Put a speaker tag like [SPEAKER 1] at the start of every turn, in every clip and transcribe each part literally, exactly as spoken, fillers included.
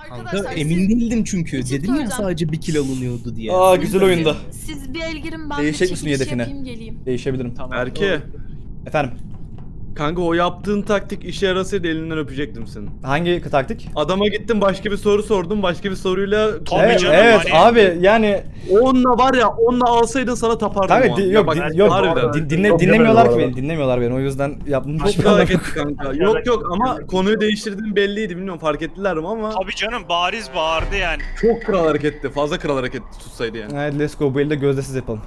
[SPEAKER 1] Kanka
[SPEAKER 2] siz-
[SPEAKER 1] emin değildim çünkü.
[SPEAKER 2] Bir şey
[SPEAKER 1] Dedim ya
[SPEAKER 2] söyleyeceğim.
[SPEAKER 1] sadece bir kill alınıyordu diye.
[SPEAKER 3] Aa güzel oyunda.
[SPEAKER 2] Siz bir el girin, ben
[SPEAKER 3] Değişecek
[SPEAKER 2] bir
[SPEAKER 3] misin
[SPEAKER 2] çekiliş
[SPEAKER 3] hedefine?
[SPEAKER 2] yapayım geleyim.
[SPEAKER 3] Değişebilirim.
[SPEAKER 4] Berke,
[SPEAKER 3] Efendim.
[SPEAKER 4] kanka o yaptığın taktik işe yarasaydı elinden öpecektim seni.
[SPEAKER 3] Hangi taktik?
[SPEAKER 4] Adama gittim başka bir soru sordum, başka bir soruyla...
[SPEAKER 5] Tabii
[SPEAKER 3] Evet,
[SPEAKER 5] canım,
[SPEAKER 3] evet
[SPEAKER 5] hani-
[SPEAKER 3] abi yani
[SPEAKER 4] Onunla var ya, onunla alsaydın sana tapardım
[SPEAKER 3] kanka
[SPEAKER 4] o an.
[SPEAKER 3] di-
[SPEAKER 4] Ya
[SPEAKER 3] yok
[SPEAKER 4] bak,
[SPEAKER 3] di- yok
[SPEAKER 4] harbiden.
[SPEAKER 3] din- dinle,
[SPEAKER 6] Çok
[SPEAKER 3] dinlemiyorlar ki
[SPEAKER 6] demedim bu
[SPEAKER 3] beni. Dinlemiyorlar beni. O yüzden yaptım.
[SPEAKER 4] Çok kral hareketti kanka. Yok yok ama konuyu değiştirdiğin belliydi, bilmiyorum fark ettiler mi ama
[SPEAKER 5] Tabii canım, bariz bağırdı yani.
[SPEAKER 4] çok kral hareketti. Fazla kral hareket tutsaydı yani.
[SPEAKER 3] Hadi let's go, bu elde gözdesiz yapalım.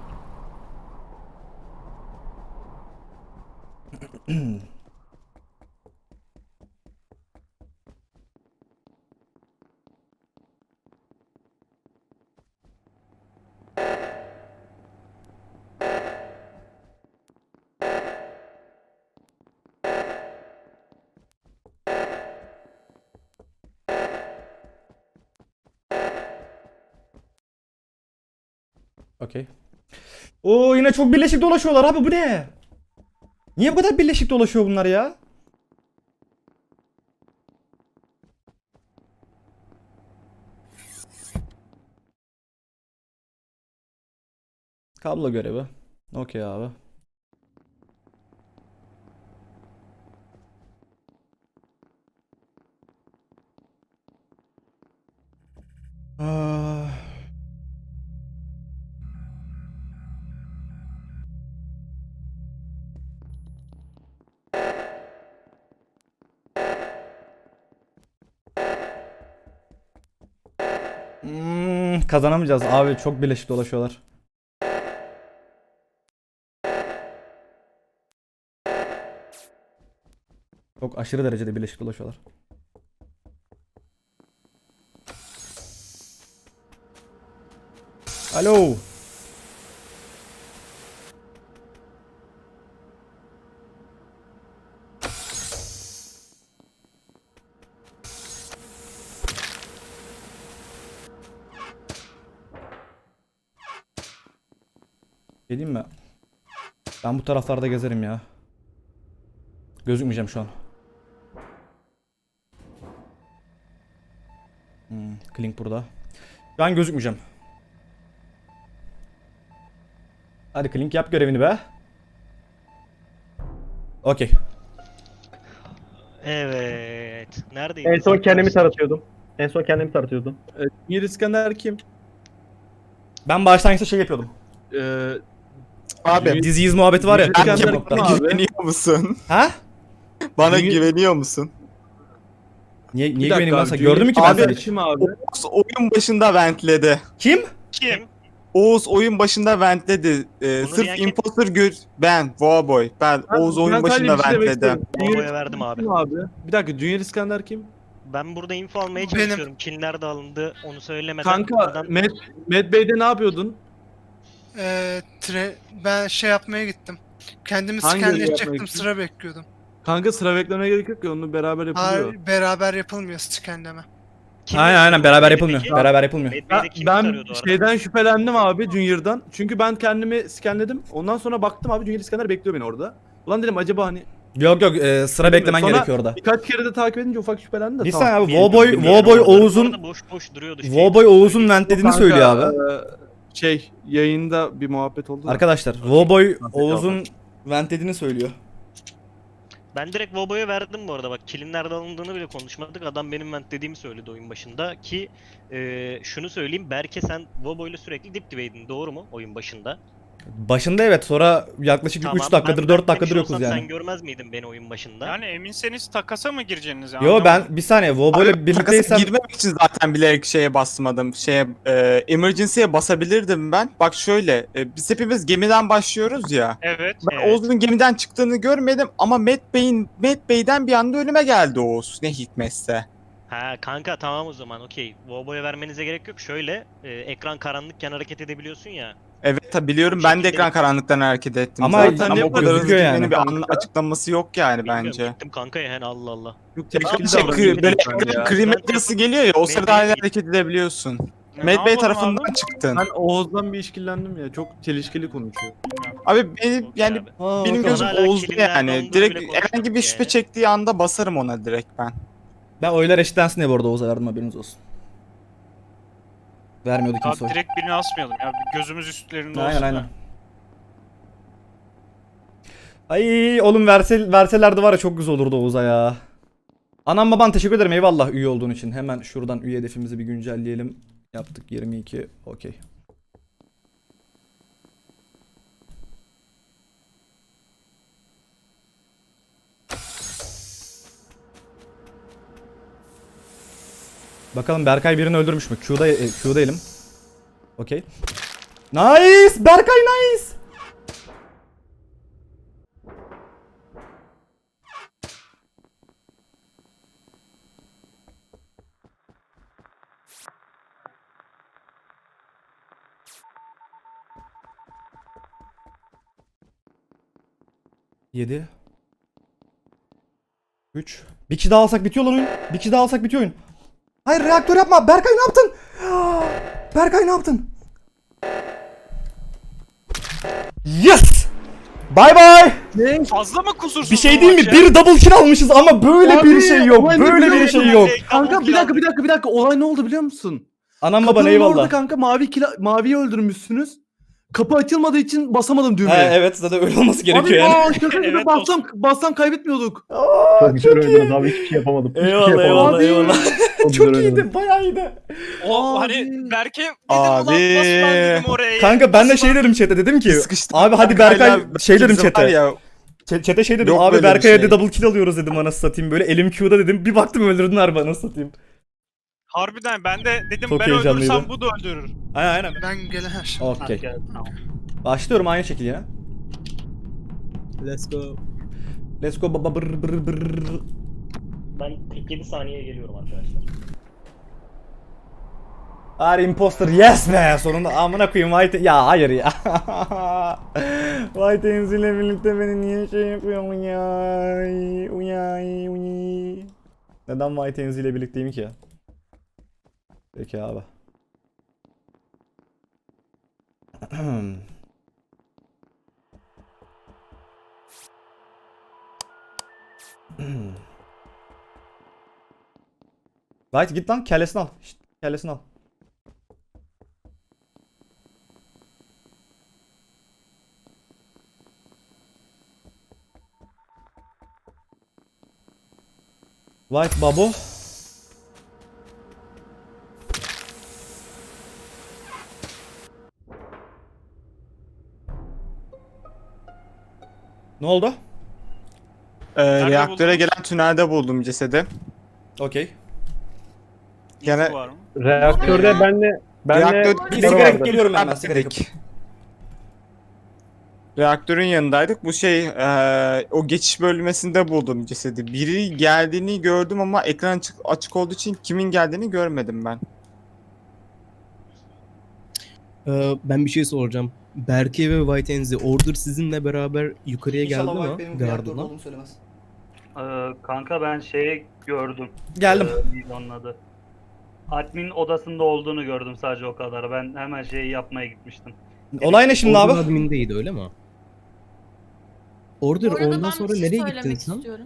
[SPEAKER 3] Okey. Oo yine çok birleşik dolaşıyorlar abi, bu ne? Niye bu kadar birleşik dolaşıyor bunlar ya? Kablo görevi. Okey abi. Ah. Hmm, kazanamayacağız abi, çok birleşik dolaşıyorlar. Çok aşırı derecede birleşik dolaşıyorlar. Alo. Geleyim mi? Ben bu taraflarda gezerim ya. Gözükmeyeceğim şu an. Hmm, Klink burada. Şu an gözükmeyeceğim. Hadi Klink yap görevini be. Okey.
[SPEAKER 7] Evet. Neredeydi?
[SPEAKER 6] En son kendimi taratıyordum. En son kendimi taratıyordum.
[SPEAKER 4] Mir İskender kim?
[SPEAKER 3] Ben başlangıçta şey yapıyordum.
[SPEAKER 4] Ee,
[SPEAKER 8] Abi
[SPEAKER 3] Dizi iz muhabbeti var ya.
[SPEAKER 4] Dünya-
[SPEAKER 3] ikinci
[SPEAKER 4] Dünya-
[SPEAKER 3] nokta.
[SPEAKER 4] Abi.
[SPEAKER 8] güveniyor musun?
[SPEAKER 3] Ha?
[SPEAKER 8] Bana
[SPEAKER 4] Dünya-
[SPEAKER 8] güveniyor musun?
[SPEAKER 3] Niye,
[SPEAKER 4] bir
[SPEAKER 3] niye
[SPEAKER 4] dakika
[SPEAKER 3] güveneyim ben
[SPEAKER 4] abi,
[SPEAKER 3] sana?
[SPEAKER 4] Dünya-
[SPEAKER 3] Gördün mü ki ben
[SPEAKER 8] Abi-
[SPEAKER 3] seni hiç?
[SPEAKER 4] Kim abi?
[SPEAKER 8] Oğuz oyun başında ventledi.
[SPEAKER 3] Kim?
[SPEAKER 5] Kim?
[SPEAKER 8] Oğuz oyun başında ventledi. Ee,
[SPEAKER 7] Bunu diyen
[SPEAKER 8] sırf
[SPEAKER 7] kim?
[SPEAKER 8] imposter gör... Ben, Voaboy. Ben,
[SPEAKER 4] Ben-
[SPEAKER 8] Oğuz
[SPEAKER 4] ben
[SPEAKER 8] oyun
[SPEAKER 4] sadece
[SPEAKER 8] başında
[SPEAKER 4] bir şey demek
[SPEAKER 8] ventledi.
[SPEAKER 4] istiyorum. Dünya
[SPEAKER 7] Bombaya
[SPEAKER 4] İskender
[SPEAKER 7] verdim abi.
[SPEAKER 4] kim abi? Bir dakika, Dünya İskender kim?
[SPEAKER 7] Ben burada info almaya
[SPEAKER 9] Benim.
[SPEAKER 7] çalışıyorum. Kim nerede alındı onu söylemeden.
[SPEAKER 4] Kanka,
[SPEAKER 7] buradan-
[SPEAKER 4] Med, Med Bey'de ne yapıyordun?
[SPEAKER 9] Ee, tre ben şey yapmaya gittim. Kendimi
[SPEAKER 4] Hangi yeri yapmaya
[SPEAKER 9] skenleyecektim,
[SPEAKER 4] gittin?
[SPEAKER 9] sıra bekliyordum.
[SPEAKER 4] Kanka sıra beklemeye gerek yok ki, onu beraber yapılıyor.
[SPEAKER 9] Hayır, beraber yapılmıyor skenleme.
[SPEAKER 7] Kim
[SPEAKER 3] Aynen aynen
[SPEAKER 7] yazıyordu
[SPEAKER 3] beraber
[SPEAKER 7] Medbay'deki?
[SPEAKER 3] yapılmıyor. Beraber yapılmıyor.
[SPEAKER 4] Ben,
[SPEAKER 7] Medbay'de kimi
[SPEAKER 4] ben
[SPEAKER 7] tarıyordu orada?
[SPEAKER 4] şeyden şüphelendim abi, Junior'dan. Çünkü ben kendimi skenledim. Ondan sonra baktım abi, Junior İskender bekliyor beni orada. Ulan dedim acaba hani
[SPEAKER 3] Yok yok e, sıra beklemen
[SPEAKER 4] Sonra
[SPEAKER 3] gerekiyor orada.
[SPEAKER 4] birkaç kere de takip edince ufak şüphelendim de
[SPEAKER 3] Bir
[SPEAKER 4] tamam.
[SPEAKER 3] saniye abi
[SPEAKER 7] Bir-
[SPEAKER 3] Voboy,
[SPEAKER 7] bir-
[SPEAKER 3] Voboy
[SPEAKER 7] bir-
[SPEAKER 3] Oğuz'un
[SPEAKER 7] orada boş boş duruyordu. şey.
[SPEAKER 3] Voboy Oğuz'un ventlediğini
[SPEAKER 4] Kanka,
[SPEAKER 3] söylüyor abi.
[SPEAKER 4] e, şey yayında bir muhabbet oldu da.
[SPEAKER 3] Arkadaşlar Voboy Oğuz'un ventlediğini söylüyor.
[SPEAKER 7] Ben direkt Vobo'ya verdim bu arada, bak kilin nerede alındığını bile konuşmadık. Adam benim vent dediğimi söyledi oyun başında ki e, şunu söyleyeyim, Berke sen Vobo'yla sürekli dip dibeydin, doğru mu oyun başında?
[SPEAKER 3] Başında evet, sonra yaklaşık
[SPEAKER 7] Tamam,
[SPEAKER 3] üç dakikadır
[SPEAKER 7] ben
[SPEAKER 3] dört dakikadır
[SPEAKER 7] ventlemiş
[SPEAKER 3] yokuz
[SPEAKER 7] olsam
[SPEAKER 3] yani.
[SPEAKER 7] Sen görmez miydin beni oyun başında?
[SPEAKER 5] Yani eminseniz takasa mı gireceğiniz?
[SPEAKER 3] Yo ben bir saniye Voboy'la
[SPEAKER 8] Abi, takasa
[SPEAKER 3] birlikteysem
[SPEAKER 8] girmemek için zaten bilerek şeye basmadım. Şeye, e, emergency'ye basabilirdim ben. Bak şöyle, e, biz hepimiz gemiden başlıyoruz ya.
[SPEAKER 5] Evet.
[SPEAKER 8] Ben
[SPEAKER 7] Evet.
[SPEAKER 8] Oğuz'un gemiden çıktığını görmedim ama Matt Bey'in Matt Bey'den bir anda önüme geldi Oğuz. Ne hikmetse.
[SPEAKER 7] Ha kanka tamam o zaman okey. Vobo'ya vermenize gerek yok. Şöyle e, ekran karanlıkken hareket edebiliyorsun ya.
[SPEAKER 8] Evet tabii biliyorum,
[SPEAKER 7] Bu
[SPEAKER 8] ben de
[SPEAKER 7] şekilde-
[SPEAKER 8] ekran karanlıktan hareket ettim
[SPEAKER 3] Ama
[SPEAKER 8] zaten
[SPEAKER 3] zaten
[SPEAKER 8] ama o kadar hızlı
[SPEAKER 3] gözüküyor yani.
[SPEAKER 8] gitmenin bir anla- açıklaması yok yani
[SPEAKER 7] Bilmiyorum,
[SPEAKER 8] bence.
[SPEAKER 7] gittim kanka yani Allah Allah.
[SPEAKER 4] Çok
[SPEAKER 8] Şey,
[SPEAKER 4] tehlikeli
[SPEAKER 8] şey,
[SPEAKER 4] davranıyor
[SPEAKER 8] kri- böyle
[SPEAKER 4] lütfen ya.
[SPEAKER 8] kri medyası geliyor ya, o
[SPEAKER 7] Med
[SPEAKER 8] sırada
[SPEAKER 7] Bey-
[SPEAKER 8] hala hareket edebiliyorsun.
[SPEAKER 5] Ne
[SPEAKER 8] Med Bey
[SPEAKER 5] yapalım
[SPEAKER 8] tarafından
[SPEAKER 5] abi?
[SPEAKER 8] çıktın.
[SPEAKER 4] Ben Oğuz'dan bir işkillendim ya. Çok çelişkili konuşuyor.
[SPEAKER 8] Abi benim
[SPEAKER 7] Okey
[SPEAKER 8] yani
[SPEAKER 7] abi.
[SPEAKER 3] Aa,
[SPEAKER 8] benim
[SPEAKER 3] bakalım.
[SPEAKER 8] gözüm
[SPEAKER 7] Hala
[SPEAKER 8] Oğuz'da
[SPEAKER 7] kilimlerden
[SPEAKER 8] yani.
[SPEAKER 7] olduğunu
[SPEAKER 8] Direkt
[SPEAKER 7] bile konuşmadık
[SPEAKER 8] herhangi bir şüphe
[SPEAKER 7] yani.
[SPEAKER 8] çektiği anda basarım ona direkt ben.
[SPEAKER 3] Ben oylar eşitlensin diye bu arada Oğuz'a verdim, haberiniz olsun. Vermiyordu kimse
[SPEAKER 5] Abi
[SPEAKER 3] oy.
[SPEAKER 5] direkt birini asmayalım ya. Bir gözümüz üstlerinde
[SPEAKER 3] Aynen
[SPEAKER 5] olsun.
[SPEAKER 3] aynen. Ay oğlum verse, verselerdi var ya çok güzel olurdu Oğuz'a ya. Anam baban teşekkür ederim, eyvallah üye olduğun için. Hemen şuradan üye hedefimizi bir güncelleyelim. Yaptık yirmi iki, okey. Bakalım Berkay birini öldürmüş mü? Q'da, e, Q'da elim. Okey. Nice! Berkay nice! yedi. üç. Bir kişi daha alsak bitiyor lan oyun. Bir kişi daha alsak bitiyor oyun. Hayır reaktör yapma. Berkay ne yaptın? Berkay ne yaptın? Yes! Bye bye.
[SPEAKER 5] Fazla mı kusursuz
[SPEAKER 3] Bir şey
[SPEAKER 5] bu
[SPEAKER 3] değil mi?
[SPEAKER 5] maç ya?
[SPEAKER 3] Bir double kill almışız ama böyle
[SPEAKER 4] Abi,
[SPEAKER 3] bir şey yok.
[SPEAKER 4] olay ne
[SPEAKER 3] Böyle
[SPEAKER 4] biliyor
[SPEAKER 3] bir şey
[SPEAKER 4] musun?
[SPEAKER 3] yok.
[SPEAKER 4] Kanka bir dakika bir dakika bir dakika olay ne oldu biliyor musun?
[SPEAKER 3] Anam baban
[SPEAKER 4] Kapının orada
[SPEAKER 3] eyvallah.
[SPEAKER 4] kanka mavi kila, maviyi öldürmüşsünüz. Kapı açılmadığı için basamadım düğmeye.
[SPEAKER 3] He, evet zaten öyle olması
[SPEAKER 4] Abi
[SPEAKER 3] gerekiyor yani.
[SPEAKER 4] aa, şaka gibi
[SPEAKER 5] Evet,
[SPEAKER 4] bassam, bassam kaybetmiyorduk.
[SPEAKER 3] Aa,
[SPEAKER 6] Çok güzel
[SPEAKER 3] çok
[SPEAKER 6] oynadınız
[SPEAKER 3] iyi.
[SPEAKER 6] abi. Hiçbir şey yapamadım. Hiçbir
[SPEAKER 3] Eyvallah
[SPEAKER 6] şey yapamadım.
[SPEAKER 3] eyvallah eyvallah.
[SPEAKER 6] Çok,
[SPEAKER 3] Çok
[SPEAKER 6] güzel oynadınız.
[SPEAKER 3] iyiydi, bayağı iyiydi.
[SPEAKER 5] O
[SPEAKER 4] Abi.
[SPEAKER 5] hani Berke dedim
[SPEAKER 8] Abi.
[SPEAKER 5] ulan nasıl ben dedim oraya.
[SPEAKER 3] Kanka ben de
[SPEAKER 5] Nasıl
[SPEAKER 3] şey
[SPEAKER 5] ben-
[SPEAKER 3] dedim chat'e, dedim ki
[SPEAKER 8] Sıkıştım.
[SPEAKER 3] abi hadi
[SPEAKER 8] Berkay'la
[SPEAKER 3] Berkay şey dedim
[SPEAKER 8] ikimiz var
[SPEAKER 3] chat'e.
[SPEAKER 8] ya,
[SPEAKER 3] Ç- Chat'e şey dedim
[SPEAKER 8] Yok
[SPEAKER 3] abi
[SPEAKER 8] böyle bir
[SPEAKER 3] Berkay'a
[SPEAKER 8] şey.
[SPEAKER 3] de double kill alıyoruz dedim, anasını satayım, böyle elim Q'da dedim, bir baktım öldürdün harbi, anasını satayım.
[SPEAKER 5] Harbiden ben de dedim
[SPEAKER 3] Çok
[SPEAKER 5] ben
[SPEAKER 3] heyecanlıydı.
[SPEAKER 5] öldürsem bu da öldürür.
[SPEAKER 3] Aynen aynen.
[SPEAKER 9] Ben gelen her şey.
[SPEAKER 3] Okey. Başlıyorum aynı şekilde yine.
[SPEAKER 1] Let's go.
[SPEAKER 3] Let's go baba brr brr brr.
[SPEAKER 7] Ben kırk yedi saniyeye geliyorum arkadaşlar.
[SPEAKER 3] Ari imposter yes be, sonunda amına koyayım White, ya hayır ya. White Enzi ile birlikte beni niye şey yapıyor uyay uyay uyay. Neden White Enzi ile birlikteyim ki? Peki abi. White git lan, kellesini al. Şşt, kellesini al. White babo. Ne oldu?
[SPEAKER 8] e,
[SPEAKER 5] Nerede
[SPEAKER 8] reaktöre
[SPEAKER 5] buldunuz?
[SPEAKER 8] gelen tünelde buldum cesedi.
[SPEAKER 3] Okey.
[SPEAKER 8] Gene-
[SPEAKER 5] İzi var mı?
[SPEAKER 6] Reaktörde benle benle
[SPEAKER 8] Reaktör-
[SPEAKER 3] Bir
[SPEAKER 6] sigara
[SPEAKER 3] sigara
[SPEAKER 6] vardı.
[SPEAKER 3] yakıp geliyorum ben, hemen sigara yakıp.
[SPEAKER 8] Reaktörün yanındaydık. Bu şey e, o geçiş bölmesinde buldum cesedi. Biri geldiğini gördüm ama ekran açık, açık olduğu için kimin geldiğini görmedim ben.
[SPEAKER 1] Ee, ben bir şey soracağım. Berke ve White Enzi Order sizinle beraber yukarıya geldi mi? Gardına.
[SPEAKER 3] söylemez.
[SPEAKER 2] Ee, kanka ben şeyi gördüm.
[SPEAKER 3] Geldim.
[SPEAKER 2] Ee, neydi onun adı? Admin odasında olduğunu gördüm sadece o kadar. Ben hemen şeyi yapmaya gitmiştim.
[SPEAKER 3] Olay ne şimdi
[SPEAKER 1] Order
[SPEAKER 3] abi?
[SPEAKER 1] admindeydi öyle mi? Order
[SPEAKER 10] Bu arada
[SPEAKER 1] ondan
[SPEAKER 10] ben
[SPEAKER 1] sonra
[SPEAKER 10] bir şey
[SPEAKER 1] nereye
[SPEAKER 10] söylemek
[SPEAKER 1] gittin sen?
[SPEAKER 10] istiyorum.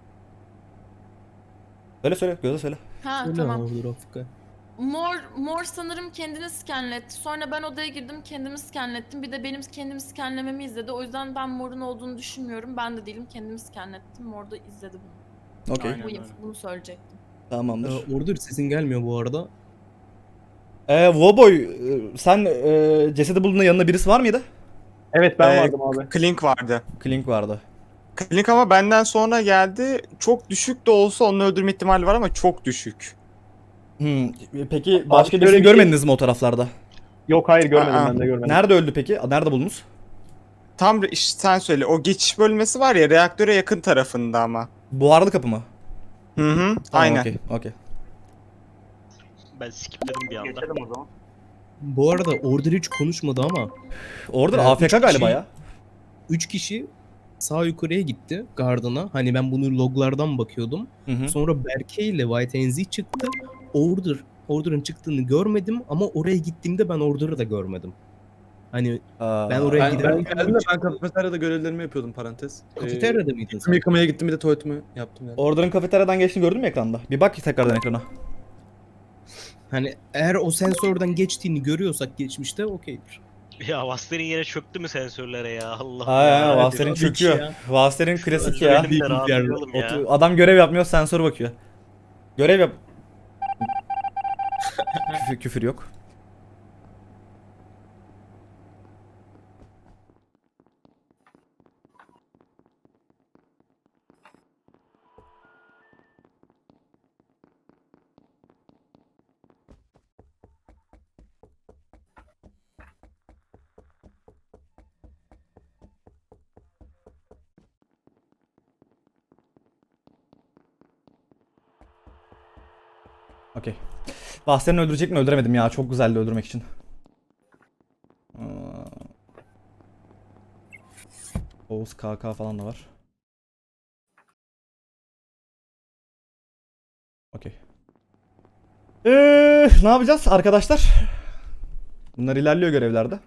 [SPEAKER 3] Söyle söyle, Gözde söyle.
[SPEAKER 10] Ha
[SPEAKER 1] Söyle
[SPEAKER 10] tamam.
[SPEAKER 1] Order Afrika.
[SPEAKER 10] Mor, mor sanırım kendini skenletti. Sonra ben odaya girdim, kendimi skenlettim. Bir de benim kendimi skenlememi izledi. O yüzden ben morun olduğunu düşünmüyorum. Ben de değilim, kendimi skenlettim. Mor da izledi bunu.
[SPEAKER 3] Okey.
[SPEAKER 5] Aynen
[SPEAKER 10] Bu
[SPEAKER 5] öyle.
[SPEAKER 10] info- bunu söyleyecektim.
[SPEAKER 3] Tamamdır.
[SPEAKER 1] Ee, Order sesin gelmiyor bu arada.
[SPEAKER 3] Ee, Woboy, e, sen e, cesedi bulduğunda yanında birisi var mıydı?
[SPEAKER 6] Evet ben
[SPEAKER 8] Ee,
[SPEAKER 6] vardım abi.
[SPEAKER 8] Klink vardı.
[SPEAKER 3] Klink vardı.
[SPEAKER 8] Klink ama benden sonra geldi. Çok düşük de olsa onu öldürme ihtimali var ama çok düşük.
[SPEAKER 3] Hmm. Peki başka
[SPEAKER 6] şöyle
[SPEAKER 3] birisini
[SPEAKER 6] bir şey-
[SPEAKER 3] görmediniz mi o taraflarda?
[SPEAKER 6] Yok hayır görmedim
[SPEAKER 8] Aa.
[SPEAKER 6] ben de görmedim.
[SPEAKER 3] Nerede öldü peki? Nerede buldunuz?
[SPEAKER 8] Tam re- işte sen söyle. O geçiş bölmesi var ya reaktöre yakın tarafında ama.
[SPEAKER 3] Buharlı kapı mı?
[SPEAKER 8] Hı hı.
[SPEAKER 3] Tamam,
[SPEAKER 8] Aynen.
[SPEAKER 3] Okey. Okey.
[SPEAKER 7] Ben skipledim bir anda.
[SPEAKER 2] Geçelim o zaman.
[SPEAKER 1] Bu arada Order hiç konuşmadı ama
[SPEAKER 3] Orada
[SPEAKER 1] Ee,
[SPEAKER 3] A F K
[SPEAKER 1] üç
[SPEAKER 3] galiba
[SPEAKER 1] kişi-
[SPEAKER 3] ya.
[SPEAKER 1] üç kişi sağ yukarıya gitti Gardına. Hani ben bunu loglardan bakıyordum.
[SPEAKER 3] Hı hı.
[SPEAKER 1] Sonra Berke ile White Enzi çıktı. Order, Order'ın çıktığını görmedim ama oraya gittiğimde ben Order'ı da görmedim. Hani
[SPEAKER 3] Aa,
[SPEAKER 1] Ben oraya
[SPEAKER 4] Ben,
[SPEAKER 1] giderim.
[SPEAKER 4] ben geldim de ben kafeteryada görevlerimi yapıyordum parantez.
[SPEAKER 1] kafeteryada mıydın
[SPEAKER 4] Ee,
[SPEAKER 1] sen?
[SPEAKER 4] yıkamaya gittim bir de tuvaletimi yaptım yani.
[SPEAKER 3] Order'ın kafeteryadan geçtiğini gördün mü ekranda? Bir bak tekrardan ekrana.
[SPEAKER 1] Hani eğer o sensörden geçtiğini görüyorsak geçmişte okeydir.
[SPEAKER 7] Ya Vaster'in yere çöktü mü sensörlere ya Allah
[SPEAKER 3] Aynen
[SPEAKER 7] ya.
[SPEAKER 3] Vaster'in
[SPEAKER 1] tabii
[SPEAKER 3] çöküyor.
[SPEAKER 1] ki ya.
[SPEAKER 3] Vaster'in klasik
[SPEAKER 7] Özür
[SPEAKER 3] ya.
[SPEAKER 7] dilerim de rahatlayalım ya.
[SPEAKER 3] Otu- Adam görev yapmıyor, sensör bakıyor. Görev yap. küfür, küfür yok. Okey. Vaster'ini öldürecek mi? Öldüremedim ya. Çok güzeldi öldürmek için. Aa. Oğuz K K falan da var. Okey. Eee, ne yapacağız arkadaşlar? Bunlar ilerliyor görevlerde.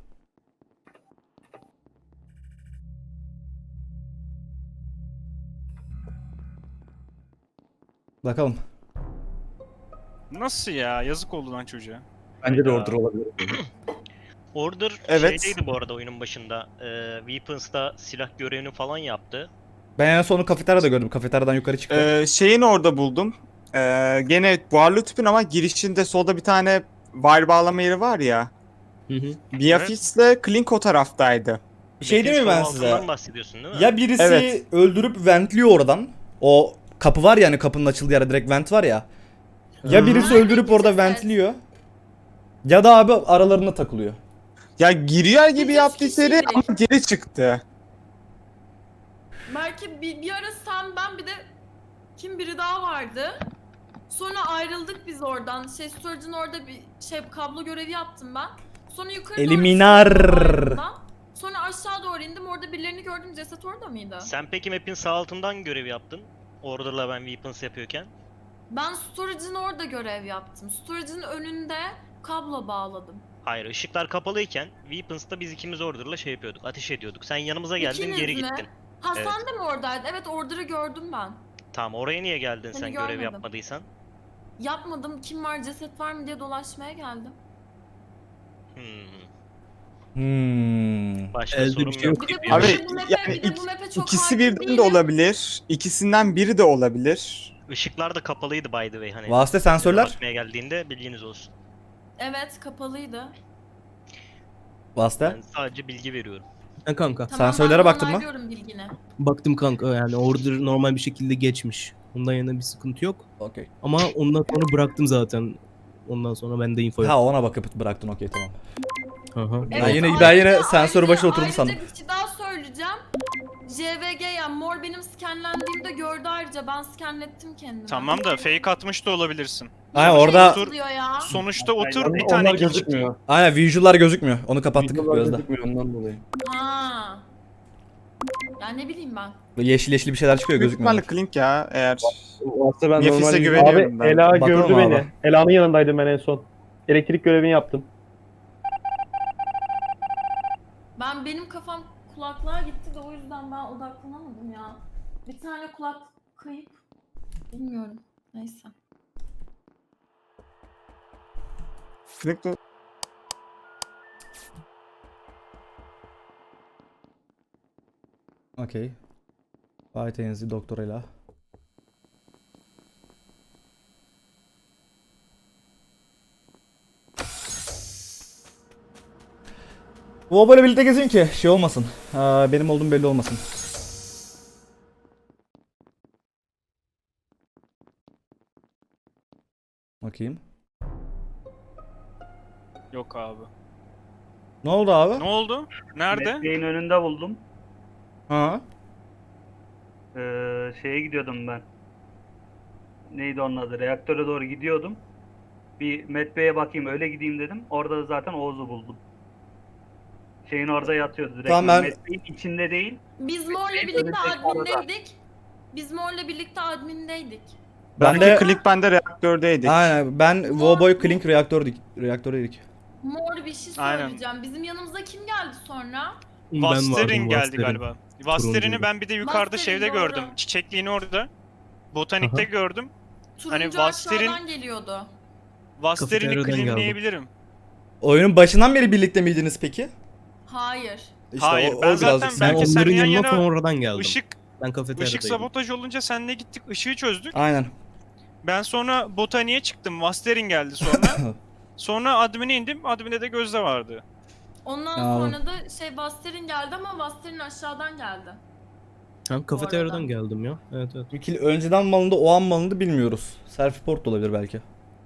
[SPEAKER 3] Bakalım.
[SPEAKER 5] Nasıl ya? Yazık oldu lan çocuğa.
[SPEAKER 4] Bence de order olabilir.
[SPEAKER 7] Order
[SPEAKER 8] Evet.
[SPEAKER 7] şeydeydi bu arada oyunun başında. Ee, Weapons'ta silah görevini falan yaptı.
[SPEAKER 3] Ben en son kafeteryada gördüm. Kafeteryadan yukarı çıktı.
[SPEAKER 8] Ee, şeyin orada buldum. Ee, gene buharlı tüpün ama girişinde solda bir tane wire bağlama yeri var ya.
[SPEAKER 1] Hı hı.
[SPEAKER 8] Biafix'le Klink o taraftaydı.
[SPEAKER 3] Bir şey değil mi ben
[SPEAKER 7] Weapons'ın
[SPEAKER 3] size?
[SPEAKER 7] altından bahsediyorsun değil mi?
[SPEAKER 3] Ya birisi
[SPEAKER 8] Evet.
[SPEAKER 3] öldürüp ventliyor oradan. O kapı var ya hani kapının açıldığı yerde direkt vent var ya. Ya
[SPEAKER 1] Hı.
[SPEAKER 3] birisi
[SPEAKER 10] Nerede
[SPEAKER 3] öldürüp orada
[SPEAKER 10] ceset?
[SPEAKER 3] ventliyor. Ya da abi aralarına takılıyor.
[SPEAKER 8] Ya giriyor gibi
[SPEAKER 10] Biz
[SPEAKER 8] yaptı
[SPEAKER 10] üç
[SPEAKER 8] içeri
[SPEAKER 10] kişiydik.
[SPEAKER 8] ama geri çıktı.
[SPEAKER 10] Belki bir, bir ara sen ben bir de kim biri daha vardı. Sonra ayrıldık biz oradan. Şey storage'ın orada bir şey kablo görevi yaptım ben. Sonra yukarı doğru
[SPEAKER 3] Eliminar.
[SPEAKER 10] çıktım ayrıldan. Sonra aşağı doğru indim. Orada birilerini gördüm. Ceset orada mıydı?
[SPEAKER 7] Sen peki map'in sağ altından görev yaptın. Order'la ben Weapons yapıyorken.
[SPEAKER 10] Ben storage'ın orada görev yaptım. Storage'ın önünde kablo bağladım.
[SPEAKER 7] Hayır, ışıklar kapalıyken Weapons'ta biz ikimiz Order'la şey yapıyorduk. Ateş ediyorduk. Sen yanımıza geldin,
[SPEAKER 10] İkiniz
[SPEAKER 7] geri
[SPEAKER 10] mi?
[SPEAKER 7] gittin.
[SPEAKER 10] Ha
[SPEAKER 7] Evet.
[SPEAKER 10] sen de mi oradaydı? Evet order'ı gördüm ben.
[SPEAKER 7] Tamam, oraya niye geldin
[SPEAKER 10] Seni
[SPEAKER 7] sen görev
[SPEAKER 10] görmedim.
[SPEAKER 7] yapmadıysan?
[SPEAKER 10] Yapmadım. Kim var ceset var mı diye dolaşmaya geldim.
[SPEAKER 7] Hmm.
[SPEAKER 3] Hmm.
[SPEAKER 7] Başka
[SPEAKER 1] Elde bir
[SPEAKER 7] sorum
[SPEAKER 1] şey
[SPEAKER 7] yok.
[SPEAKER 1] yok.
[SPEAKER 10] Bir de bu,
[SPEAKER 8] Abi,
[SPEAKER 10] bir de bu map'e,
[SPEAKER 8] yani
[SPEAKER 10] bir de bu map'e çok
[SPEAKER 8] İkisi
[SPEAKER 10] hakim
[SPEAKER 8] birden de
[SPEAKER 10] değilim.
[SPEAKER 8] olabilir. İkisinden biri de olabilir.
[SPEAKER 7] Işıklar da kapalıydı by the way hani.
[SPEAKER 3] Vasıta sensörler.
[SPEAKER 7] Bakmaya geldiğinde bilginiz olsun.
[SPEAKER 10] Evet kapalıydı.
[SPEAKER 3] Vasıta.
[SPEAKER 7] Ben sadece bilgi veriyorum.
[SPEAKER 1] Ha kanka.
[SPEAKER 10] Tamam,
[SPEAKER 3] Sensörlere
[SPEAKER 10] ben de
[SPEAKER 3] baktın mı?
[SPEAKER 10] onaylıyorum bilgini.
[SPEAKER 1] Baktım kanka yani order normal bir şekilde geçmiş. Ondan yana bir sıkıntı yok.
[SPEAKER 3] Okey.
[SPEAKER 1] Ama ondan sonra bıraktım zaten. Ondan sonra bende info yok.
[SPEAKER 3] Ha ona bakıp bıraktın okey tamam.
[SPEAKER 1] Hı hı.
[SPEAKER 3] Ben yine- ben yine sensör
[SPEAKER 10] ayrıca-
[SPEAKER 3] başına oturdum sandım.
[SPEAKER 10] Ayrıca bir şey daha söyleyeceğim. J V G yani mor benim skenlendiğimde gördü ayrıca ben skenlettim kendimi.
[SPEAKER 5] Tamam da fake atmış da olabilirsin.
[SPEAKER 3] Aynen
[SPEAKER 10] Hiçbir
[SPEAKER 3] orada
[SPEAKER 10] şey yazılıyor ya.
[SPEAKER 5] Sonuçta otur
[SPEAKER 6] Onlar
[SPEAKER 5] bir tane kill çıktı.
[SPEAKER 6] gözükmüyor.
[SPEAKER 3] aynen visual'lar gözükmüyor. Onu kapattık
[SPEAKER 4] Videolar
[SPEAKER 3] gözde.
[SPEAKER 4] gözükmüyor ondan dolayı.
[SPEAKER 10] Ha. Ya ne bileyim ben.
[SPEAKER 3] Böyle yeşil yeşil bir şeyler çıkıyor
[SPEAKER 8] Büyük
[SPEAKER 3] gözükmüyor.
[SPEAKER 8] ihtimalle Klink ya eğer.
[SPEAKER 6] Aslında ben
[SPEAKER 8] Nefise
[SPEAKER 6] normalde...
[SPEAKER 8] güveniyorum
[SPEAKER 6] Abi
[SPEAKER 8] ben.
[SPEAKER 6] Ela
[SPEAKER 3] Bakalım
[SPEAKER 6] gördü
[SPEAKER 3] abi.
[SPEAKER 6] beni. Ela'nın yanındaydım ben en son. Elektrik görevini yaptım.
[SPEAKER 10] Ben benim kafam kulaklığa gitti de o yüzden ben odaklanamadım ya. Bir tane kulak kayıp. Bilmiyorum. Neyse.
[SPEAKER 8] Klink de-
[SPEAKER 3] Okey. White Enzi doktoruyla. Bu böyle birlikte gezin ki şey olmasın. Aa, benim olduğum belli olmasın. Bakayım.
[SPEAKER 5] Yok abi.
[SPEAKER 3] Ne oldu abi?
[SPEAKER 5] Ne oldu? Nerede?
[SPEAKER 2] Mesleğin önünde buldum.
[SPEAKER 3] Ha?
[SPEAKER 2] Ee, şeye gidiyordum ben. Neydi onun adı? Reaktöre doğru gidiyordum. Bir Medbay'e bakayım öyle gideyim dedim. Orada da zaten Oğuz'u buldum. Şeyin orada yatıyordu direkt.
[SPEAKER 3] Tamam, ben-
[SPEAKER 2] Medbay'in içinde değil.
[SPEAKER 10] Biz Mor'la birlikte
[SPEAKER 2] Önümüzdeki arada.
[SPEAKER 10] admindeydik. Biz Mor'la birlikte admindeydik.
[SPEAKER 3] Ben
[SPEAKER 8] Ben
[SPEAKER 3] de
[SPEAKER 8] de Klink bende reaktördeydik.
[SPEAKER 3] aynen ben Woboy Klink reaktördük. Reaktördeydik.
[SPEAKER 10] Mor bir şey
[SPEAKER 5] Aynen.
[SPEAKER 10] söyleyeceğim. Bizim yanımıza kim geldi sonra?
[SPEAKER 1] Ben
[SPEAKER 5] Vasterin
[SPEAKER 1] vardım,
[SPEAKER 5] geldi
[SPEAKER 1] Vasterin.
[SPEAKER 5] galiba. Vasterin'i
[SPEAKER 1] Turuncuydu.
[SPEAKER 5] ben bir de yukarıda
[SPEAKER 10] Vasterin,
[SPEAKER 5] şeyde
[SPEAKER 10] doğru.
[SPEAKER 5] gördüm. Çiçekliğini orada. Botanikte
[SPEAKER 1] Aha.
[SPEAKER 5] gördüm.
[SPEAKER 10] Turuncu
[SPEAKER 5] Hani Vaster'in-
[SPEAKER 10] aşağıdan geliyordu.
[SPEAKER 5] Vasterin'i
[SPEAKER 1] Kafeteryadan geldim.
[SPEAKER 5] claimleyebilirim.
[SPEAKER 3] Oyunun başından beri birlikte miydiniz peki?
[SPEAKER 10] Hayır.
[SPEAKER 3] İşte
[SPEAKER 5] Hayır,
[SPEAKER 3] o,
[SPEAKER 5] ben
[SPEAKER 3] o
[SPEAKER 5] zaten
[SPEAKER 3] birazcık
[SPEAKER 1] Ben
[SPEAKER 5] belki
[SPEAKER 3] sıkıntı.
[SPEAKER 5] sen
[SPEAKER 1] onların
[SPEAKER 5] yan
[SPEAKER 1] yanına
[SPEAKER 5] yana
[SPEAKER 1] sonradan geldim.
[SPEAKER 5] Işık,
[SPEAKER 1] Ben kafeteryadaydım.
[SPEAKER 5] ışık sabotaj olunca seninle gittik, ışığı çözdük.
[SPEAKER 3] Aynen.
[SPEAKER 5] Ben sonra botaniğe çıktım. Vasterin geldi sonra. Sonra admin'e indim. Admin'de de Gözde vardı.
[SPEAKER 10] Ondan
[SPEAKER 3] Aa.
[SPEAKER 10] sonra da şey Vaster'in geldi ama Vaster'in aşağıdan geldi.
[SPEAKER 1] Ben kafeteryadan
[SPEAKER 10] arada.
[SPEAKER 1] geldim ya. Evet evet.
[SPEAKER 3] Bir kill önceden mı alındı, o an mı alındı bilmiyoruz. Self report da olabilir belki.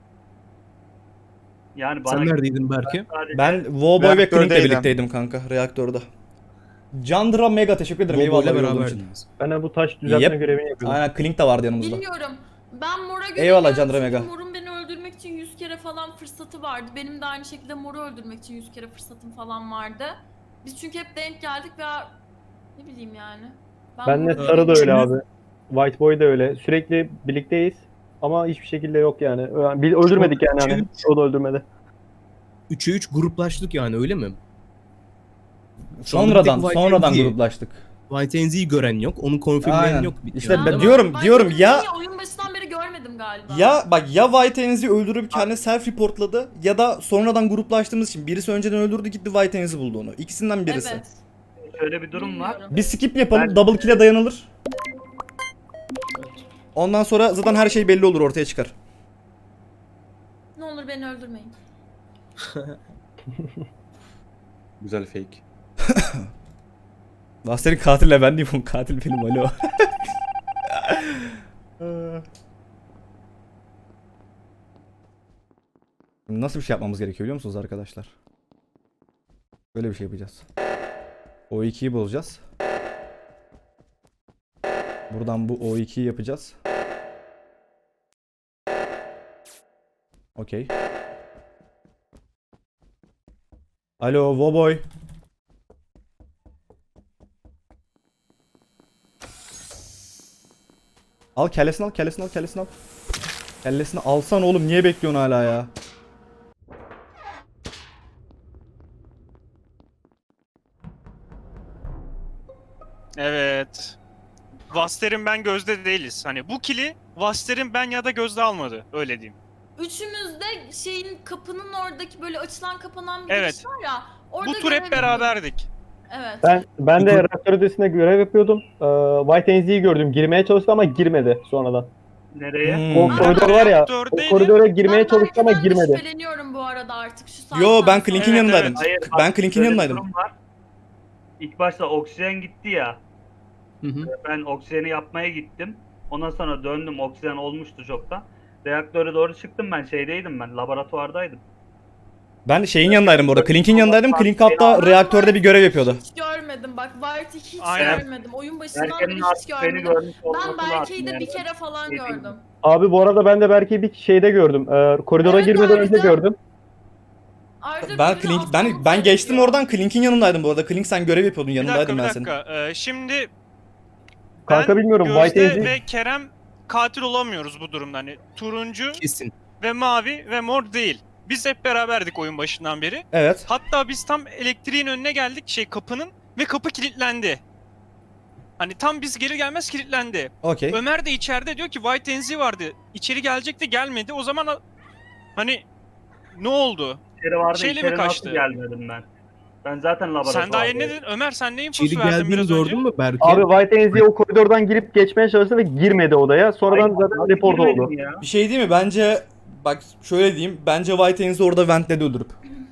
[SPEAKER 2] Yani bana
[SPEAKER 1] Sen neredeydin Berke?
[SPEAKER 2] sadece
[SPEAKER 3] Ben Wowboy ve Klink'le
[SPEAKER 8] Reaktördeydim.
[SPEAKER 3] birlikteydim kanka reaktörde. Candra Mega teşekkür ederim.
[SPEAKER 1] Bobo'yla
[SPEAKER 3] Eyvallah olduğun için.
[SPEAKER 1] beraberdiniz.
[SPEAKER 6] Ben de bu taş düzeltme
[SPEAKER 3] Yep.
[SPEAKER 6] görevini yapıyordum.
[SPEAKER 3] Aynen Klink de vardı yanımızda.
[SPEAKER 10] Bilmiyorum. Ben Mor'a göre
[SPEAKER 3] Eyvallah
[SPEAKER 10] geldim
[SPEAKER 3] Candra
[SPEAKER 10] çünkü
[SPEAKER 3] Mega.
[SPEAKER 10] Mor'un beni öldürmek için yüz kere falan fırsatı vardı. Benim de aynı şekilde Mor'u öldürmek için yüz kere fırsatım falan vardı. Biz çünkü hep denk geldik ve ne bileyim yani.
[SPEAKER 6] Ben de
[SPEAKER 10] Mor'u-
[SPEAKER 6] Sarı da öyle
[SPEAKER 1] Üçümüz-
[SPEAKER 6] abi. White Boy da öyle. Sürekli birlikteyiz. Ama hiçbir şekilde yok yani. Bil öldürmedik yani hani.
[SPEAKER 1] Üç-
[SPEAKER 6] O da öldürmedi.
[SPEAKER 1] üçe üç gruplaştık yani öyle mi? Şu anda bir
[SPEAKER 3] Sonradan,
[SPEAKER 1] tek White
[SPEAKER 3] sonradan
[SPEAKER 1] Enzi'yi-
[SPEAKER 3] gruplaştık.
[SPEAKER 1] White Enzi'yi gören yok. Onu konfirmleyen
[SPEAKER 3] Aynen.
[SPEAKER 1] yok. Bir
[SPEAKER 3] İşte
[SPEAKER 1] yani,
[SPEAKER 3] ben
[SPEAKER 1] değil mi?
[SPEAKER 3] diyorum,
[SPEAKER 10] Ben
[SPEAKER 3] diyorum
[SPEAKER 10] Mor'u
[SPEAKER 3] ya
[SPEAKER 10] niye oyun başından beri görmedim galiba.
[SPEAKER 3] ya bak ya White Enzi öldürüp kendi self reportladı ya da sonradan gruplaştığımız için birisi önceden öldürdü gitti White Enzi buldu onu. İkisinden birisi.
[SPEAKER 10] Evet.
[SPEAKER 2] şöyle bir durum var.
[SPEAKER 10] bilmiyorum.
[SPEAKER 3] Bir skip yapalım,
[SPEAKER 2] Ben-
[SPEAKER 3] double kill'e dayanılır. Ondan sonra zaten her şey belli olur, ortaya çıkar.
[SPEAKER 10] Ne olur beni öldürmeyin.
[SPEAKER 4] Güzel fake.
[SPEAKER 3] Vaster'in katille ben değilim, katil benim alo. Şimdi nasıl bir şey yapmamız gerekiyor biliyor musunuz arkadaşlar? Böyle bir şey yapacağız. O ikiyi bulacağız. Buradan bu O ikiyi yapacağız. Okey. Alo Woboy. Al kellesini al, kellesini al, kellesini al. Kellesini alsan oğlum, niye bekliyorsun hala ya?
[SPEAKER 5] Evet. Vaster'in ben Gözde değiliz. Hani bu kili Vaster'in ben ya da Gözde almadı. Öyle diyeyim.
[SPEAKER 10] Üçümüz de şeyin kapının oradaki böyle açılan kapanan bir
[SPEAKER 5] Evet.
[SPEAKER 10] giriş var ya. Orada
[SPEAKER 5] Bu tur hep
[SPEAKER 10] görev
[SPEAKER 5] beraberdik.
[SPEAKER 10] yapıyordum. Evet.
[SPEAKER 6] Ben ben de
[SPEAKER 1] Peki-
[SPEAKER 6] reaktör ödesinde görev yapıyordum. Ee, White Enzi'yi gördüm. Girmeye çalıştı ama girmedi sonradan.
[SPEAKER 2] Nereye?
[SPEAKER 3] Hmm.
[SPEAKER 6] O koridor var ya. O
[SPEAKER 5] Reaktördeydim.
[SPEAKER 6] koridora girmeye
[SPEAKER 10] Ben
[SPEAKER 6] çalıştı ama
[SPEAKER 10] Berke'den de
[SPEAKER 6] girmedi.
[SPEAKER 10] şüpheleniyorum bu arada artık şu saatten
[SPEAKER 3] Yo ben
[SPEAKER 10] sonra.
[SPEAKER 3] Klink'in
[SPEAKER 5] Evet,
[SPEAKER 3] yanındaydım.
[SPEAKER 2] Hayır, bak,
[SPEAKER 3] Ben Klink'in
[SPEAKER 2] şöyle bir
[SPEAKER 3] yanındaydım.
[SPEAKER 2] durum var. İlk başta oksijen gitti ya.
[SPEAKER 1] Hı hı.
[SPEAKER 2] Ben oksijeni yapmaya gittim. Ondan sonra döndüm, oksijen olmuştu çoktan. Reaktöre doğru çıktım, ben şeydeydim, ben laboratuvardaydım.
[SPEAKER 3] Ben şeyin yanındaydım bu arada. Klink'in yanındaydım. Klink hatta
[SPEAKER 10] Ben
[SPEAKER 3] reaktörde bir görev yapıyordu.
[SPEAKER 10] Hiç görmedim bak. White'i hiç
[SPEAKER 5] Aynen.
[SPEAKER 10] görmedim. Oyun başından beri
[SPEAKER 2] Berke'nin
[SPEAKER 10] hiç
[SPEAKER 2] artık beni
[SPEAKER 10] görmedim.
[SPEAKER 2] görmüş olması
[SPEAKER 10] Ben Berke'yi de
[SPEAKER 2] lazım
[SPEAKER 10] bir
[SPEAKER 2] yani.
[SPEAKER 10] kere falan
[SPEAKER 2] Şey değil.
[SPEAKER 10] gördüm.
[SPEAKER 6] Abi bu arada ben de belki bir şeyde gördüm. Ee, koridora
[SPEAKER 10] Evet,
[SPEAKER 6] girmeden önce
[SPEAKER 10] ayrıca-
[SPEAKER 6] gördüm.
[SPEAKER 10] Ayrıca
[SPEAKER 3] Ben
[SPEAKER 10] birine
[SPEAKER 3] Klink ben
[SPEAKER 10] asmamız
[SPEAKER 3] ben geçtim
[SPEAKER 10] gerekiyor.
[SPEAKER 3] oradan. Klink'in yanındaydım bu arada. Klink sen görev yapıyordun,
[SPEAKER 5] Bir dakika
[SPEAKER 3] yanındaydım
[SPEAKER 5] bir
[SPEAKER 3] ben senin.
[SPEAKER 5] dakika. Ee, şimdi
[SPEAKER 6] Kanka
[SPEAKER 5] ben,
[SPEAKER 6] bilmiyorum,
[SPEAKER 5] Gözde
[SPEAKER 6] White Enzi-
[SPEAKER 5] ve Kerem katil olamıyoruz bu durumda. Hani turuncu
[SPEAKER 1] Kesin.
[SPEAKER 5] ve mavi ve mor değil. Biz hep beraberdik oyun başından beri.
[SPEAKER 3] Evet.
[SPEAKER 5] Hatta biz tam elektriğin önüne geldik şey kapının ve kapı kilitlendi. Hani tam biz geri gelmez kilitlendi.
[SPEAKER 3] Okey.
[SPEAKER 5] Ömer de içeride diyor ki White Enzi vardı. İçeri gelecekti gelmedi. O zaman a- hani ne oldu?
[SPEAKER 2] İçeri vardı,
[SPEAKER 5] Şeyle mi
[SPEAKER 2] içeri
[SPEAKER 5] kaçtı?
[SPEAKER 2] nasıl gelmedim ben? Ben zaten laboratuvardaydım.
[SPEAKER 5] Sen daha yeni ne dedin? Ömer sen ne infosu
[SPEAKER 1] İçeri
[SPEAKER 5] verdin
[SPEAKER 1] geldiğini
[SPEAKER 5] biraz
[SPEAKER 1] gördün
[SPEAKER 5] önce?
[SPEAKER 1] mü Berke?
[SPEAKER 6] Abi White Enzi o koridordan girip geçmeye çalıştı ve girmedi odaya. Sonradan
[SPEAKER 2] Hayır,
[SPEAKER 6] zaten
[SPEAKER 2] abi,
[SPEAKER 6] report
[SPEAKER 2] girmedim
[SPEAKER 6] oldu.
[SPEAKER 2] ya.
[SPEAKER 3] Bir şey değil mi? Bence bak şöyle diyeyim. Bence White Enzi orada ventledi öldürüp.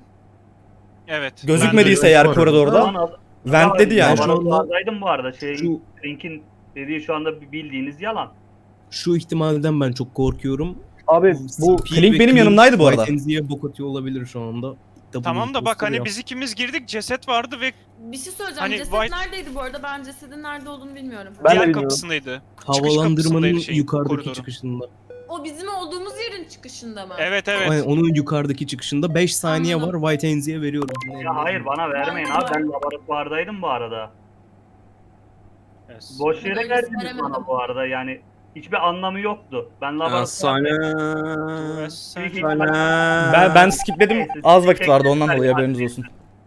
[SPEAKER 5] Evet.
[SPEAKER 3] Gözükmediyse
[SPEAKER 1] Ben de
[SPEAKER 3] eğer
[SPEAKER 1] öyle
[SPEAKER 3] koridorda
[SPEAKER 2] Lan, al-
[SPEAKER 3] ventledi yani.
[SPEAKER 1] Ben şu anda-
[SPEAKER 2] Laboratuvardaydım bu arada. Şey,
[SPEAKER 1] Şu,
[SPEAKER 2] Link'in dediği şu anda bildiğiniz yalan.
[SPEAKER 1] şu ihtimalden ben çok korkuyorum.
[SPEAKER 6] Abi bu
[SPEAKER 1] Speed
[SPEAKER 3] Klink
[SPEAKER 1] ve
[SPEAKER 3] benim
[SPEAKER 1] Klink
[SPEAKER 3] yanımdaydı bu arada.
[SPEAKER 1] White Enzi'ye bok atıyor olabilir şu anda. Tabii
[SPEAKER 5] Tamam da bak
[SPEAKER 1] imposter
[SPEAKER 5] hani
[SPEAKER 1] ya.
[SPEAKER 5] biz ikimiz girdik ceset vardı ve
[SPEAKER 10] Bir şey söyleyeceğim.
[SPEAKER 5] Hani
[SPEAKER 10] Ceset
[SPEAKER 5] White-
[SPEAKER 10] neredeydi bu arada? Ben cesedin nerede olduğunu bilmiyorum.
[SPEAKER 6] Ben de
[SPEAKER 5] diğer
[SPEAKER 6] bilmiyorum.
[SPEAKER 5] kapısındaydı. Çıkış
[SPEAKER 1] Havalandırmanın
[SPEAKER 5] kapısındaydı şeyin,
[SPEAKER 1] yukarıdaki
[SPEAKER 5] koridorun.
[SPEAKER 1] çıkışında.
[SPEAKER 10] O bizim olduğumuz yerin çıkışında mı?
[SPEAKER 5] Evet evet.
[SPEAKER 1] Aynen, onun yukarıdaki çıkışında beş saniye
[SPEAKER 10] Anladım.
[SPEAKER 1] var. White Enzi'ye veriyorum. Ne-
[SPEAKER 2] Ya hayır bana vermeyin
[SPEAKER 10] Ben de
[SPEAKER 2] abi, ben laboratuvardaydım bu arada.
[SPEAKER 5] Evet.
[SPEAKER 2] Boş yere
[SPEAKER 10] Öyle
[SPEAKER 2] verdiniz
[SPEAKER 10] veremedim.
[SPEAKER 2] bana bu arada yani. hiçbir anlamı yoktu. Ben laboratuvarda büyük ihtimal-
[SPEAKER 3] Ben ben skipledim.
[SPEAKER 2] Neyse,
[SPEAKER 3] Az vakit
[SPEAKER 2] teşekkür
[SPEAKER 3] vardı ondan
[SPEAKER 2] ederim.
[SPEAKER 3] dolayı haberiniz olsun.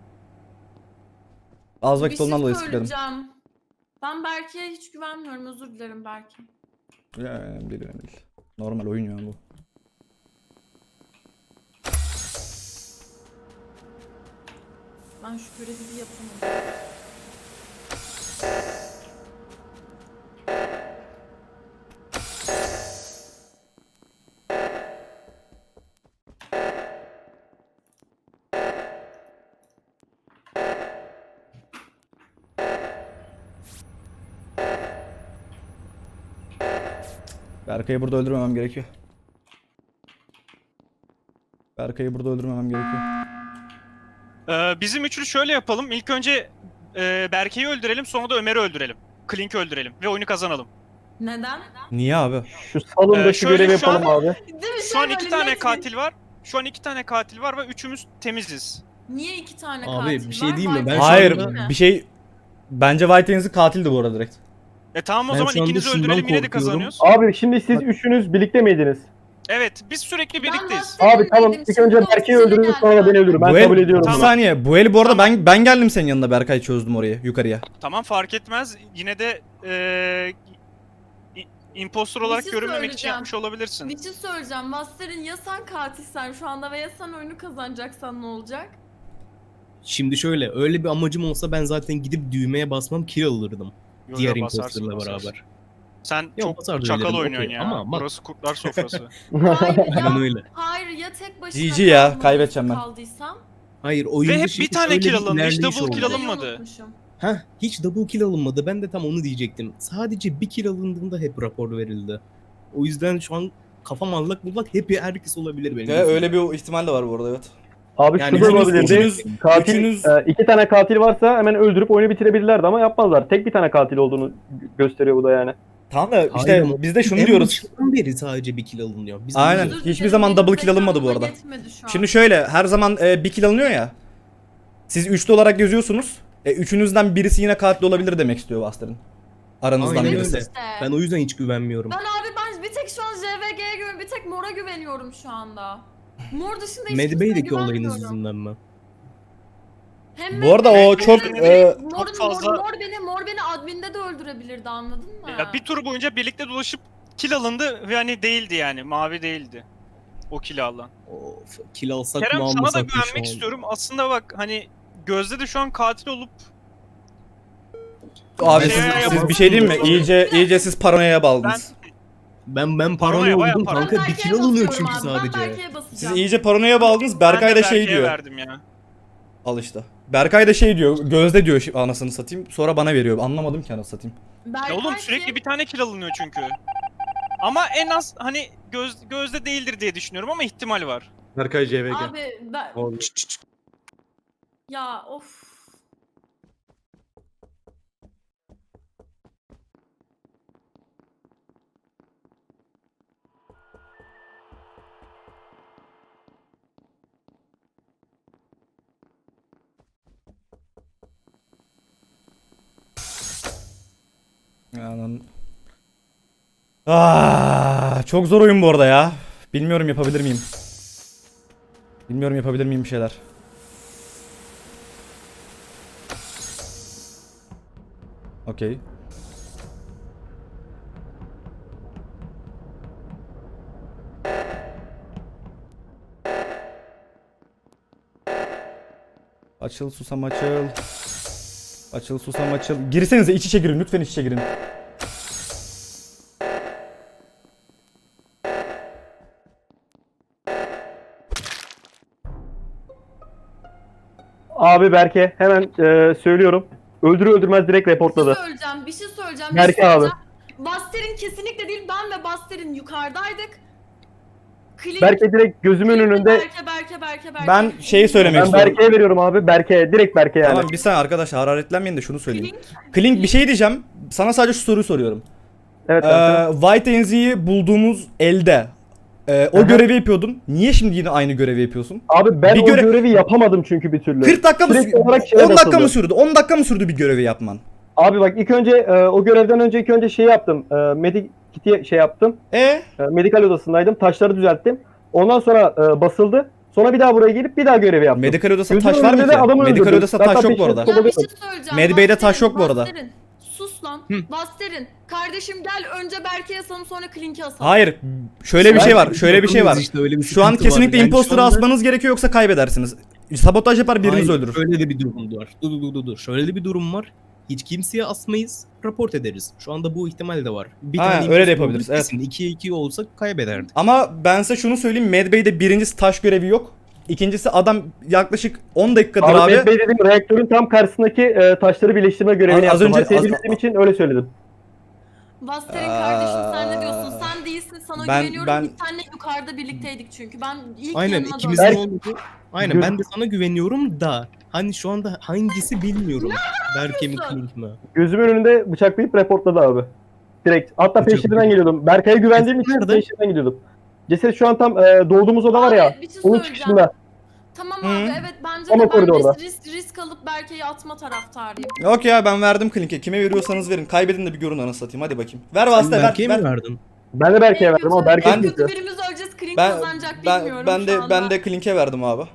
[SPEAKER 3] Az
[SPEAKER 10] Bir
[SPEAKER 3] vakit
[SPEAKER 10] şey
[SPEAKER 3] ondan dolayı skipledim.
[SPEAKER 10] söyleyeceğim. Ben Berke'ye hiç güvenmiyorum. Özür dilerim Berke.
[SPEAKER 3] Ya, önemli değil, önemli değil. Normal oyun ya bu.
[SPEAKER 10] Ben şu görevi bir yapamadım.
[SPEAKER 3] Berkay'ı burada öldürmemem gerekiyor. Berkay'ı burada öldürmemem gerekiyor.
[SPEAKER 5] Ee, bizim üçlü şöyle yapalım. İlk önce e, Berke'yi öldürelim, sonra da Ömer'i öldürelim. Klink'i öldürelim ve oyunu kazanalım.
[SPEAKER 10] Neden?
[SPEAKER 3] Niye abi?
[SPEAKER 6] Şu salondaki
[SPEAKER 5] Ee, şöyle
[SPEAKER 6] görevi
[SPEAKER 5] şu an-
[SPEAKER 6] yapalım abi.
[SPEAKER 10] Değil mi?
[SPEAKER 5] Şu an
[SPEAKER 10] Şey
[SPEAKER 5] iki
[SPEAKER 10] böyle
[SPEAKER 5] tane
[SPEAKER 10] net bir-
[SPEAKER 5] katil var. Şu an iki tane katil var ve üçümüz temiziz.
[SPEAKER 10] Niye iki tane
[SPEAKER 1] Abi,
[SPEAKER 10] katil
[SPEAKER 1] bir şey
[SPEAKER 10] var?
[SPEAKER 1] diyeyim mi?
[SPEAKER 10] White
[SPEAKER 1] Ben şu
[SPEAKER 3] Hayır
[SPEAKER 1] anda-
[SPEAKER 3] bir şey... Bence White Hands'i katildi bu arada direkt.
[SPEAKER 5] E tamam o
[SPEAKER 1] Ben
[SPEAKER 5] zaman
[SPEAKER 1] şu anda
[SPEAKER 5] ikinizi
[SPEAKER 1] şundan
[SPEAKER 5] öldürelim yine de
[SPEAKER 1] korkuyorum.
[SPEAKER 5] kazanıyoruz.
[SPEAKER 6] Abi şimdi siz üçünüz birlikte miydiniz?
[SPEAKER 5] Evet biz sürekli birlikteyiz.
[SPEAKER 10] Ben
[SPEAKER 6] Abi tamam
[SPEAKER 10] Seninleydim,
[SPEAKER 6] ilk önce
[SPEAKER 10] şimdi
[SPEAKER 6] Berke'yi
[SPEAKER 10] ofisine
[SPEAKER 6] öldürürüz sonra da
[SPEAKER 10] geldim.
[SPEAKER 6] beni öldürün. Ben
[SPEAKER 3] Bu el-
[SPEAKER 6] kabul ediyorum
[SPEAKER 3] Bir
[SPEAKER 6] bunu.
[SPEAKER 3] saniye. Bu el bu arada ben ben geldim senin yanına Berkay çözdüm orayı yukarıya.
[SPEAKER 5] Tamam fark etmez. Yine de e, i- impostor olarak
[SPEAKER 10] şey
[SPEAKER 5] görünmemek için
[SPEAKER 10] söyleyeceğim.
[SPEAKER 5] yapmış olabilirsin.
[SPEAKER 10] Bir şey söyleyeceğim. Master'ın ya sen katilsen şu anda ve ya sen oyunu kazanacaksan ne olacak?
[SPEAKER 1] Şimdi şöyle, öyle bir amacım olsa ben zaten gidip düğmeye basmam, kill alırdım.
[SPEAKER 5] Yo,
[SPEAKER 1] Diğer
[SPEAKER 5] yo, basarsın,
[SPEAKER 1] imposterla
[SPEAKER 5] basarsın.
[SPEAKER 1] beraber.
[SPEAKER 5] Sen
[SPEAKER 1] Yok, basar
[SPEAKER 5] çok
[SPEAKER 1] da
[SPEAKER 5] çakal
[SPEAKER 1] öyle,
[SPEAKER 5] oynuyorsun
[SPEAKER 1] okey.
[SPEAKER 5] ya.
[SPEAKER 1] Ama bak-
[SPEAKER 5] Burası kurtlar sofrası.
[SPEAKER 10] Hayır ya,
[SPEAKER 1] Aynen öyle.
[SPEAKER 10] hayır ya tek başına
[SPEAKER 3] G G ya,
[SPEAKER 10] kaldım,
[SPEAKER 3] kaybedeceğim ben.
[SPEAKER 10] kaldıysam.
[SPEAKER 1] Hayır, oyunda
[SPEAKER 5] Ve hep
[SPEAKER 1] şimdi
[SPEAKER 5] bir tane
[SPEAKER 1] şöyle
[SPEAKER 5] kill alındı, hiç
[SPEAKER 1] ilerleyiş
[SPEAKER 5] double kill
[SPEAKER 1] oldu.
[SPEAKER 5] alınmadı.
[SPEAKER 10] Burayı unutmuşum.
[SPEAKER 1] Heh, hiç double kill alınmadı. Ben de tam onu diyecektim. Sadece bir kill alındığında hep rapor verildi. O yüzden şu an kafam allak bullak, hep herkes olabilir benim.
[SPEAKER 3] Ve
[SPEAKER 1] gözümde.
[SPEAKER 3] öyle bir ihtimal de var bu arada evet.
[SPEAKER 6] Abi
[SPEAKER 1] Yani
[SPEAKER 6] şu da
[SPEAKER 1] üçünüz-
[SPEAKER 6] olabilirdi.
[SPEAKER 3] üçünüz-
[SPEAKER 6] Katil,
[SPEAKER 3] üçünüz-
[SPEAKER 6] e, iki tane katil varsa hemen öldürüp oyunu bitirebilirlerdi ama yapmazlar. Tek bir tane katil olduğunu gösteriyor bu da yani.
[SPEAKER 3] Tamam da
[SPEAKER 1] Hayır
[SPEAKER 3] işte
[SPEAKER 1] ama
[SPEAKER 3] biz de şunu
[SPEAKER 1] en
[SPEAKER 3] diyoruz.
[SPEAKER 1] başından beri sadece bir kill alınıyor. Biz
[SPEAKER 3] Aynen.
[SPEAKER 1] biliyoruz.
[SPEAKER 10] Özür
[SPEAKER 3] Hiçbir
[SPEAKER 10] dilerim,
[SPEAKER 3] zaman
[SPEAKER 10] benim
[SPEAKER 3] double kill alınmadı bu
[SPEAKER 10] zekamla
[SPEAKER 3] arada.
[SPEAKER 10] yetmedi şu an.
[SPEAKER 3] Şimdi şöyle her zaman e, bir kill alınıyor ya. Siz üçlü olarak yazıyorsunuz. E, üçünüzden birisi yine katil olabilir demek istiyor Buster'ın. Aranızdan
[SPEAKER 1] Aynen
[SPEAKER 3] birisi.
[SPEAKER 1] öyle.
[SPEAKER 10] İşte.
[SPEAKER 1] Ben o yüzden hiç güvenmiyorum.
[SPEAKER 10] Ben abi ben bir tek şu an J V G'ye güveniyorum. Bir tek Mor'a güveniyorum şu anda. Mor dışında hiç kimseye
[SPEAKER 1] Medbay'deki olayınız
[SPEAKER 10] güvenmiyorum.
[SPEAKER 1] yüzünden ben.
[SPEAKER 10] Hem
[SPEAKER 3] Bu arada
[SPEAKER 10] Medbay'de
[SPEAKER 3] o çok,
[SPEAKER 10] hem
[SPEAKER 3] e,
[SPEAKER 10] Mor'un-
[SPEAKER 5] çok fazla-
[SPEAKER 10] Mor, Mor beni Mor beni adminde de öldürebilirdi anladın mı?
[SPEAKER 5] Ya bir tur boyunca birlikte dolaşıp kill alındı ve hani değildi yani. Mavi değildi. O kill alan.
[SPEAKER 1] Of, kill alsak
[SPEAKER 5] Kerem
[SPEAKER 1] mı
[SPEAKER 5] sana da
[SPEAKER 1] almasak mı şu
[SPEAKER 5] güvenmek
[SPEAKER 1] an?
[SPEAKER 5] istiyorum. Aslında bak hani Gözde de şu an katil olup
[SPEAKER 3] Abi
[SPEAKER 5] Şey
[SPEAKER 3] siz,
[SPEAKER 5] yapalım.
[SPEAKER 3] siz bir şey diyeyim mi? İyice iyice siz paranoyaya
[SPEAKER 5] ben
[SPEAKER 3] bağladınız.
[SPEAKER 1] Ben ben
[SPEAKER 5] Paranoya,
[SPEAKER 1] paranoya
[SPEAKER 5] bayağı
[SPEAKER 1] oldum
[SPEAKER 5] paranoya.
[SPEAKER 1] kanka, bir
[SPEAKER 10] Berke'ye
[SPEAKER 1] kill alınıyor
[SPEAKER 10] basıyorum
[SPEAKER 1] çünkü
[SPEAKER 10] abi,
[SPEAKER 1] sadece.
[SPEAKER 10] Ben Berke'ye
[SPEAKER 3] Siz
[SPEAKER 10] basacağım.
[SPEAKER 3] iyice paranoya bağladınız. Berkay
[SPEAKER 5] ben
[SPEAKER 3] da
[SPEAKER 5] de
[SPEAKER 3] şey
[SPEAKER 5] Berke'ye
[SPEAKER 3] diyor.
[SPEAKER 5] verdim ya.
[SPEAKER 3] Al işte. Berkay da şey diyor. Gözde diyor şi- anasını satayım. Sonra bana veriyor. Anlamadım ki anasını satayım.
[SPEAKER 10] Berkay
[SPEAKER 5] Ya oğlum
[SPEAKER 10] kim?
[SPEAKER 5] sürekli bir tane kill alınıyor çünkü. Ama en az hani göz gözde değildir diye düşünüyorum ama ihtimal var.
[SPEAKER 4] Berkay C V G.
[SPEAKER 10] Abi ben...
[SPEAKER 4] Oldu.
[SPEAKER 10] Ya of.
[SPEAKER 3] Yani... Ah, çok zor oyun bu arada ya. Bilmiyorum yapabilir miyim? Bilmiyorum yapabilir miyim bir şeyler? Okey. Açıl susam açıl. Açıl susam açıl. Girsenize iç içe girin lütfen iç içe girin.
[SPEAKER 6] Abi Berke hemen e, söylüyorum. Öldürür öldürmez direkt
[SPEAKER 10] Bir şey
[SPEAKER 6] reportladı.
[SPEAKER 10] söyleyeceğim, bir şey söyleyeceğim. bir
[SPEAKER 6] Berke
[SPEAKER 10] şey
[SPEAKER 6] abi.
[SPEAKER 10] söyleyeceğim. Buster'in kesinlikle değil, ben ve Buster'in yukarıdaydık. Klink,
[SPEAKER 6] Berke direkt gözümün
[SPEAKER 10] Klink,
[SPEAKER 6] önünde.
[SPEAKER 10] Berke, Berke, Berke, Berke.
[SPEAKER 3] Ben şeyi söylemek
[SPEAKER 6] Ben
[SPEAKER 3] istiyorum.
[SPEAKER 6] Berke'ye veriyorum abi. Berke direkt Berke yani.
[SPEAKER 3] Tamam bir saniye arkadaşlar hararetlenmeyin de şunu söyleyeyim.
[SPEAKER 10] Klink,
[SPEAKER 3] Klink bir şey diyeceğim. Sana sadece şu soruyu soruyorum.
[SPEAKER 6] Evet kanka.
[SPEAKER 3] Ee, White Enzi'yi bulduğumuz elde e, o
[SPEAKER 6] Aha.
[SPEAKER 3] görevi yapıyordun. Niye şimdi yine aynı görevi yapıyorsun?
[SPEAKER 6] Abi ben
[SPEAKER 3] bir
[SPEAKER 6] o
[SPEAKER 3] göre-
[SPEAKER 6] görevi yapamadım çünkü bir türlü.
[SPEAKER 3] kırk dakika mı
[SPEAKER 6] Sürekli
[SPEAKER 3] sürdü?
[SPEAKER 6] olarak şeye
[SPEAKER 3] on dakika
[SPEAKER 6] basıldı.
[SPEAKER 3] mı sürdü? on dakika mı sürdü bir görevi yapman?
[SPEAKER 6] Abi bak ilk önce e, o görevden önce ilk önce şey yaptım. E, medik kiti şey yaptım.
[SPEAKER 3] E
[SPEAKER 6] E, medikal odasındaydım. Taşları düzelttim. Ondan sonra e, basıldı. Sonra bir daha buraya gelip bir daha görevi yaptım.
[SPEAKER 3] medikal odasında
[SPEAKER 6] Gözümün
[SPEAKER 3] taş var mı
[SPEAKER 6] önünde de
[SPEAKER 3] ki?
[SPEAKER 6] adamı
[SPEAKER 3] Medikal
[SPEAKER 6] öldürdüm.
[SPEAKER 3] odasında
[SPEAKER 6] Hatta
[SPEAKER 3] taş yok bu
[SPEAKER 6] peşine
[SPEAKER 3] arada.
[SPEAKER 10] Ya bir şey
[SPEAKER 6] kovalıyordum.
[SPEAKER 10] söyleyeceğim.
[SPEAKER 3] Medbay'de taş
[SPEAKER 10] Basterin,
[SPEAKER 3] yok bu arada.
[SPEAKER 10] Basterin. Sus lan.
[SPEAKER 1] Hı.
[SPEAKER 10] Basterin. Kardeşim gel önce Berke'ye asalım sonra Klink'e asalım.
[SPEAKER 3] Hayır. Şöyle bir şey var. Şöyle bir şey var.
[SPEAKER 1] İşte öyle bir
[SPEAKER 3] Şu an
[SPEAKER 1] sıkıntı var.
[SPEAKER 3] kesinlikle
[SPEAKER 1] Yani
[SPEAKER 3] imposter'ı
[SPEAKER 1] şu anda-
[SPEAKER 3] asmanız gerekiyor yoksa kaybedersiniz. Sabotaj yapar biriniz
[SPEAKER 1] Hayır,
[SPEAKER 3] öldürür.
[SPEAKER 1] Şöyle de bir durum var. Dur dur dur dur. Şöyle de bir durum var. Hiç kimseye asmayız, raport ederiz. Şu anda bu ihtimal de var. Bir
[SPEAKER 3] Ha,
[SPEAKER 1] tane
[SPEAKER 3] öyle de
[SPEAKER 1] imposter
[SPEAKER 3] yapabiliriz,
[SPEAKER 1] olduğu
[SPEAKER 3] evet.
[SPEAKER 1] kesin. ikiye iki olsak kaybederdik.
[SPEAKER 3] Ama ben size şunu söyleyeyim. Medbay'de birincisi taş görevi yok. İkincisi adam yaklaşık on dakikadır
[SPEAKER 6] Abi,
[SPEAKER 3] abi.
[SPEAKER 6] Mehmet Bey dedim reaktörün tam karşısındaki e, taşları birleştirme görevini
[SPEAKER 3] Az
[SPEAKER 6] yaptım.
[SPEAKER 3] önce-
[SPEAKER 6] Haritayı
[SPEAKER 3] az-
[SPEAKER 6] bildiğim için öyle söyledim.
[SPEAKER 10] Basterin kardeşim sen ne diyorsun? Sen değilsin sana
[SPEAKER 3] Ben-
[SPEAKER 10] güveniyorum.
[SPEAKER 3] ben-
[SPEAKER 10] Biz seninle yukarıda birlikteydik çünkü. Ben ilk
[SPEAKER 1] Aynen
[SPEAKER 10] yanına
[SPEAKER 1] ikimizin
[SPEAKER 10] döndüm.
[SPEAKER 1] olduğu. Aynen ben de sana güveniyorum da hani şu anda hangisi bilmiyorum. Berke mi Klink mi?
[SPEAKER 6] Gözümün önünde bıçaklayıp reportladı abi. Direkt. Hatta
[SPEAKER 1] Bıçak-
[SPEAKER 6] peşinden geliyordum. Berkay'a güvendiğim için
[SPEAKER 1] Nerede?
[SPEAKER 6] peşinden gidiyordum. Ceset şu an tam e, doğduğumuz oda var ya.
[SPEAKER 10] Abi, bir şey
[SPEAKER 6] Onun
[SPEAKER 10] söyleyeceğim.
[SPEAKER 6] çıkışında.
[SPEAKER 10] Tamam
[SPEAKER 3] Hı.
[SPEAKER 10] abi evet bence
[SPEAKER 6] Ama
[SPEAKER 10] de ben
[SPEAKER 6] koridorda.
[SPEAKER 10] risk, risk, risk alıp Berke'yi atma taraftarıyım.
[SPEAKER 3] Yok ya ben verdim Klink'e. Kime veriyorsanız verin. Kaybedin de bir görün anasını satayım. Hadi bakayım. Ver
[SPEAKER 1] Sen
[SPEAKER 3] vasıta ver.
[SPEAKER 1] Berke'ye mi
[SPEAKER 3] ver.
[SPEAKER 1] verdin?
[SPEAKER 6] Ben de Berkay'a
[SPEAKER 10] En
[SPEAKER 6] verdim ama
[SPEAKER 10] kötü-
[SPEAKER 6] Berkay
[SPEAKER 10] en
[SPEAKER 6] gitti.
[SPEAKER 10] kötü birimiz öleceğiz. Klink
[SPEAKER 3] Ben
[SPEAKER 10] kazanacak
[SPEAKER 3] ben
[SPEAKER 10] bilmiyorum
[SPEAKER 3] ben
[SPEAKER 10] şu
[SPEAKER 3] de
[SPEAKER 10] anda.
[SPEAKER 3] ben de Klink'e verdim abi.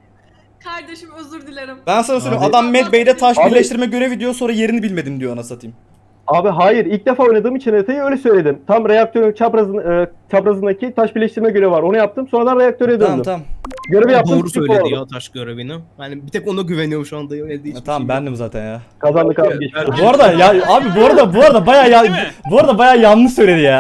[SPEAKER 10] Kardeşim özür dilerim.
[SPEAKER 3] Ben sana söyleyeyim
[SPEAKER 1] Abi-
[SPEAKER 3] adam Medbay'de taş
[SPEAKER 6] Abi-
[SPEAKER 3] birleştirme görevi diyor sonra yerini bilmedim diyor anasını satayım.
[SPEAKER 6] Abi hayır ilk defa oynadığım için haritayı öyle söyledim. Tam reaktörün çaprazın, e, çaprazındaki taş birleştirme görevi var. Onu yaptım. Sonradan reaktöre döndüm.
[SPEAKER 3] Tamam tamam.
[SPEAKER 6] Görevi yaptım.
[SPEAKER 1] Doğru
[SPEAKER 6] skip
[SPEAKER 1] söyledi
[SPEAKER 6] oldu.
[SPEAKER 1] ya taş görevini. Hani bir tek ona güveniyorum şu anda. Öyle değil.
[SPEAKER 3] Ya, tamam bendim zaten ya.
[SPEAKER 6] Kazandık abi. geçmiş olsun.
[SPEAKER 3] Bu arada ya abi bu arada bu arada bayağı ya,
[SPEAKER 5] Değil mi?
[SPEAKER 3] bu arada bayağı yanlış söyledi ya.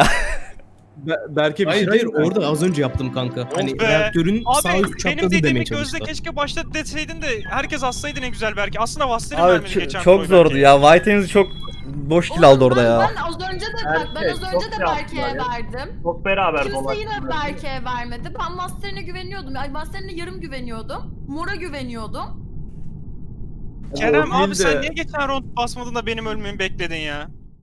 [SPEAKER 4] Be- Berke bir
[SPEAKER 1] Hayır
[SPEAKER 4] şey
[SPEAKER 1] hayır
[SPEAKER 4] diyeyim mi?
[SPEAKER 1] orada az önce yaptım kanka. Hani
[SPEAKER 5] be.
[SPEAKER 1] reaktörün sağ
[SPEAKER 5] Abi
[SPEAKER 1] üst
[SPEAKER 5] benim
[SPEAKER 1] çaprazı demeye
[SPEAKER 5] dediğimi
[SPEAKER 1] çalıştım.
[SPEAKER 5] Gözde keşke başta deseydin de herkes assaydı ne güzel belki. Aslında Vaster'in
[SPEAKER 3] Abi
[SPEAKER 5] vermedi
[SPEAKER 3] ç-
[SPEAKER 5] geçen
[SPEAKER 3] çok
[SPEAKER 5] tur
[SPEAKER 3] zordu
[SPEAKER 5] belki.
[SPEAKER 3] ya. White Hands çok boş kill
[SPEAKER 10] Oğlum,
[SPEAKER 3] aldı orada
[SPEAKER 10] ben,
[SPEAKER 3] ya.
[SPEAKER 10] Ben az önce de bak ben
[SPEAKER 2] Berke,
[SPEAKER 10] az
[SPEAKER 2] çok
[SPEAKER 10] önce de
[SPEAKER 2] şey
[SPEAKER 10] Berke'ye
[SPEAKER 2] yaptılar ya.
[SPEAKER 10] verdim.
[SPEAKER 2] Çok beraber
[SPEAKER 10] Kimse
[SPEAKER 2] dolaştılar.
[SPEAKER 10] yine Berke'ye vermedi. Ben Master'ine güveniyordum. Ay Master'ine yarım güveniyordum. Mor'a güveniyordum.
[SPEAKER 5] Kerem
[SPEAKER 4] O değil
[SPEAKER 5] abi sen
[SPEAKER 4] de-
[SPEAKER 5] niye geçen round basmadın da benim ölmemi bekledin ya?